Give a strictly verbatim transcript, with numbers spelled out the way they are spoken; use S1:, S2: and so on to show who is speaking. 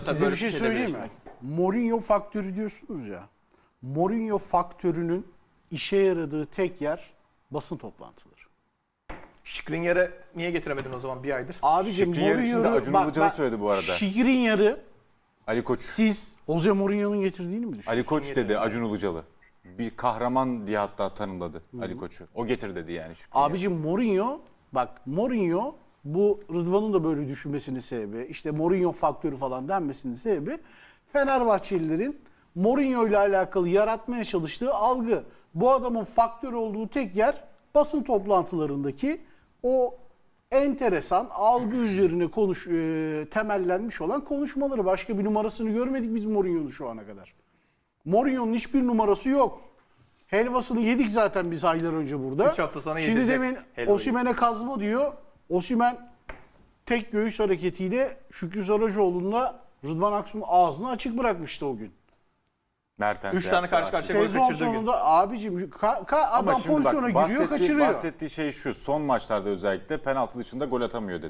S1: Size
S2: böyle
S1: bir şey
S2: şeyle
S1: söyleyeyim mi?
S2: birleşmek.
S1: Mourinho faktörü diyorsunuz ya. Mourinho faktörünün işe yaradığı tek yer basın toplantıları.
S2: Skriniar'ı niye getiremedin o zaman bir aydır?
S1: Abicim
S3: Skriniar için de
S1: Mourinho'yu
S3: Acun Ilıcalı söyledi bu arada.
S1: Skriniar'ı
S3: Ali Koç.
S1: siz Jose Mourinho'nun getirdiğini mi düşünüyorsunuz?
S3: Ali Koç dedi Acun Ilıcalı. Bir kahraman diye hatta tanımladı Ali Koç'u. O getir dedi yani. Skriniar.
S1: Abicim Mourinho, bak Mourinho bu Rıdvan'ın da böyle düşünmesinin sebebi, işte Mourinho faktörü falan denmesinin sebebi Fenerbahçelilerin Mourinho ile alakalı yaratmaya çalıştığı algı. Bu adamın faktör olduğu tek yer basın toplantılarındaki o enteresan algı üzerine konuş e, temellenmiş olan konuşmaları. Başka bir numarasını görmedik biz Mourinho'nun şu ana kadar. Mourinho'nun hiçbir numarası yok. Helvasını yedik zaten biz aylar önce burada.
S2: Üç hafta sonra
S1: Şimdi
S2: yedirecek
S1: demin
S2: helvayı.
S1: Osimhen'e kazma diyor. Osimhen tek göğüs hareketiyle Şükrü Saracoğlu'nda Rıdvan Aksu'nun ağzını açık bırakmıştı o gün.
S3: Mertens
S2: Üç tane
S3: yaptı
S2: karşı
S3: aslında.
S2: karşıya gol
S1: Sezon
S2: kaçırdığı gün.
S1: sonunda abicim ka- ka- adam
S3: Ama şimdi bak,
S1: pozisyona giriyor
S3: bahsettiği,
S1: kaçırıyor.
S3: bahsettiği şey şu. Son maçlarda özellikle penaltı dışında gol atamıyor dedi.